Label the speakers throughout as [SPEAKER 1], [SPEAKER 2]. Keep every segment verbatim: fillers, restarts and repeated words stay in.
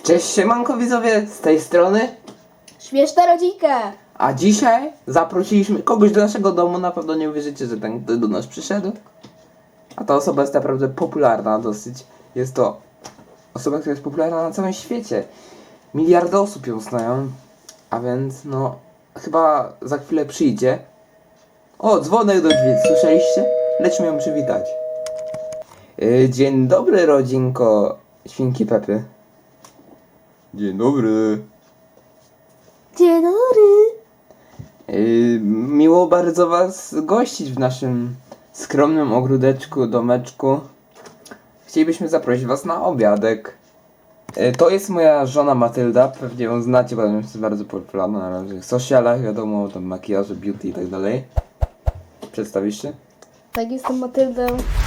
[SPEAKER 1] Cześć siemanko widzowie, z tej strony.
[SPEAKER 2] Śmieszna rodzinka.
[SPEAKER 1] A dzisiaj zaprosiliśmy kogoś do naszego domu. Na pewno nie uwierzycie, że ten ktoś do nas przyszedł. A ta osoba jest naprawdę popularna dosyć. Jest to osoba, która jest popularna na całym świecie. Miliardy osób ją znają. A więc no, chyba za chwilę przyjdzie. O, dzwonek do drzwi, słyszeliście? Lećmy ją przywitać. Yy, dzień dobry rodzinko Świnki Pepy. Dzień dobry.
[SPEAKER 2] Dzień dobry.
[SPEAKER 1] Yy, miło bardzo was gościć w naszym skromnym ogródeczku, domeczku. Chcielibyśmy zaprosić was na obiadek. Yy, to jest moja żona Matylda, pewnie ją znacie, bo jest bardzo popularna na różnych socialach, wiadomo, tam makijaże, beauty i tak dalej. Przedstawisz się?
[SPEAKER 2] Tak, jestem Matyldą.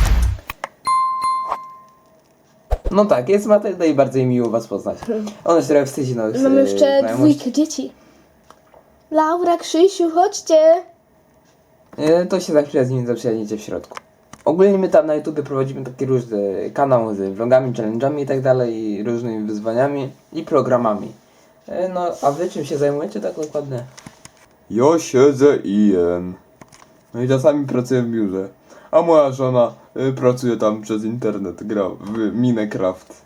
[SPEAKER 1] No tak, jest Matylda i bardzo jej miło was poznać. Ona się trochę wstydzi nowych
[SPEAKER 2] Mam jeszcze
[SPEAKER 1] znajomości.
[SPEAKER 2] dwójkę dzieci. Laura, Krzysiu, chodźcie.
[SPEAKER 1] Yy, to się za chwilę z nimi zaprzyjaźnicie w środku. Ogólnie my tam na YouTube prowadzimy takie różne kanały z vlogami, challenge'ami i tak dalej, i różnymi wyzwaniami i programami. Yy, no, a wy czym się zajmujecie tak dokładnie? Ja siedzę i jem. No i czasami pracuję w biurze. A moja żona y, pracuje tam przez internet, gra w Minecraft.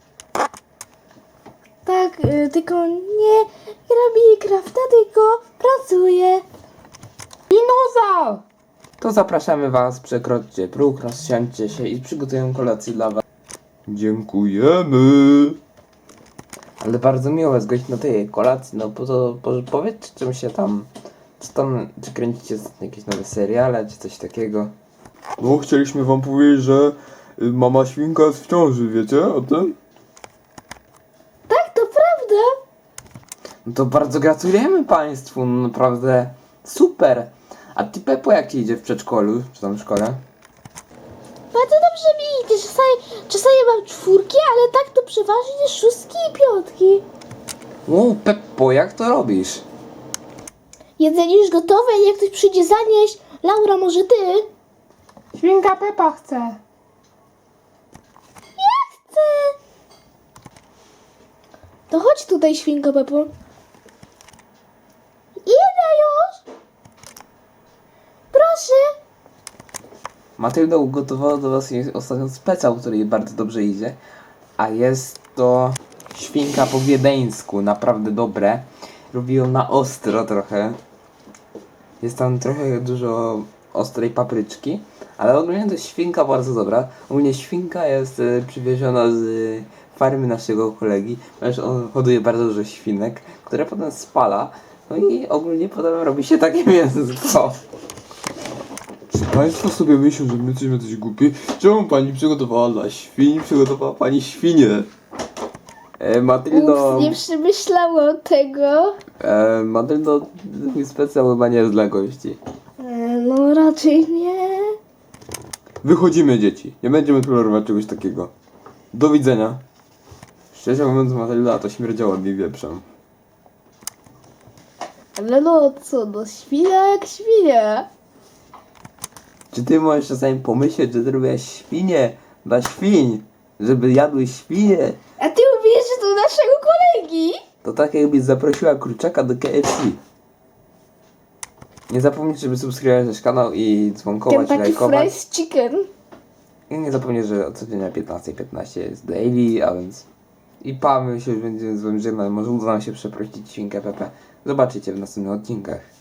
[SPEAKER 2] Tak, y, tylko nie gra Minecrafta, tylko pracuje.
[SPEAKER 1] Dinozaur! To zapraszamy was, przekroczcie próg, rozsiądźcie się i przygotujemy kolację dla was. Dziękujemy! Ale bardzo miło was gościć na tej kolacji, no po to po, powiedzcie czym się tam, co tam, czy kręcicie jakieś nowe seriale, czy coś takiego. No chcieliśmy wam powiedzieć, że y, mama świnka jest w ciąży, wiecie o tym?
[SPEAKER 2] Tak, to prawda.
[SPEAKER 1] No to bardzo gratulujemy państwu, no naprawdę super. A ty Pepo jak ci idzie w przedszkolu, czy tam w szkole?
[SPEAKER 2] Bardzo dobrze mi idzie. Czasami, czasami mam czwórki, ale tak to przeważnie szóstki i piątki.
[SPEAKER 1] O Peppo, jak to robisz?
[SPEAKER 2] Jedzenie już gotowe, jak ktoś przyjdzie zanieść. Laura, może ty?
[SPEAKER 3] Świnka Pepa chce.
[SPEAKER 2] Ja chcę. To chodź tutaj, świnko Pepo. Idę już. Proszę.
[SPEAKER 1] Matylda ugotowała do was jej ostatnio specjał, który jej bardzo dobrze idzie. A jest to świnka po wiedeńsku, naprawdę dobre. Robi ją na ostro trochę. Jest tam trochę dużo ostrej papryczki. Ale ogólnie to jest świnka bardzo dobra. Ogólnie świnka jest y, przywieziona z y, farmy naszego kolegi, ponieważ on hoduje bardzo dużo świnek, które potem spala. No i ogólnie potem robi się takie mięsko. Czy państwo sobie myślą, że my jesteśmy coś głupi? Czemu pani przygotowała dla świń? Przygotowała pani świnie. E, Matyldo...
[SPEAKER 2] Ups, nie przemyślałam tego.
[SPEAKER 1] E, Matyldo, twój specjal chyba nie jest dla gości.
[SPEAKER 2] E, no raczej nie.
[SPEAKER 1] Wychodzimy, dzieci. Nie będziemy tolerować czegoś takiego. Do widzenia. Szczerze mówiąc, Matylda to śmierdziała mi wieprzem.
[SPEAKER 2] Ale no co, no świnia jak świnia.
[SPEAKER 1] Czy ty możesz czasami pomyśleć, że zrobiłaś świnie dla świń? Żeby jadły świnie?
[SPEAKER 2] A ty mówisz, że to naszego kolegi?
[SPEAKER 1] To tak jakbyś zaprosiła kurczaka do K F C. Nie zapomnijcie, żeby subskrybować nasz kanał i dzwonkować,
[SPEAKER 2] Kentucky
[SPEAKER 1] lajkować.
[SPEAKER 2] Fried Chicken.
[SPEAKER 1] I nie zapomnij, że codziennie o piętnasta piętnaście jest daily, a więc... I pa, my się już będziemy z wami żegnać. Może uda nam się przeprosić świnkę Pepe. Zobaczycie w następnych odcinkach.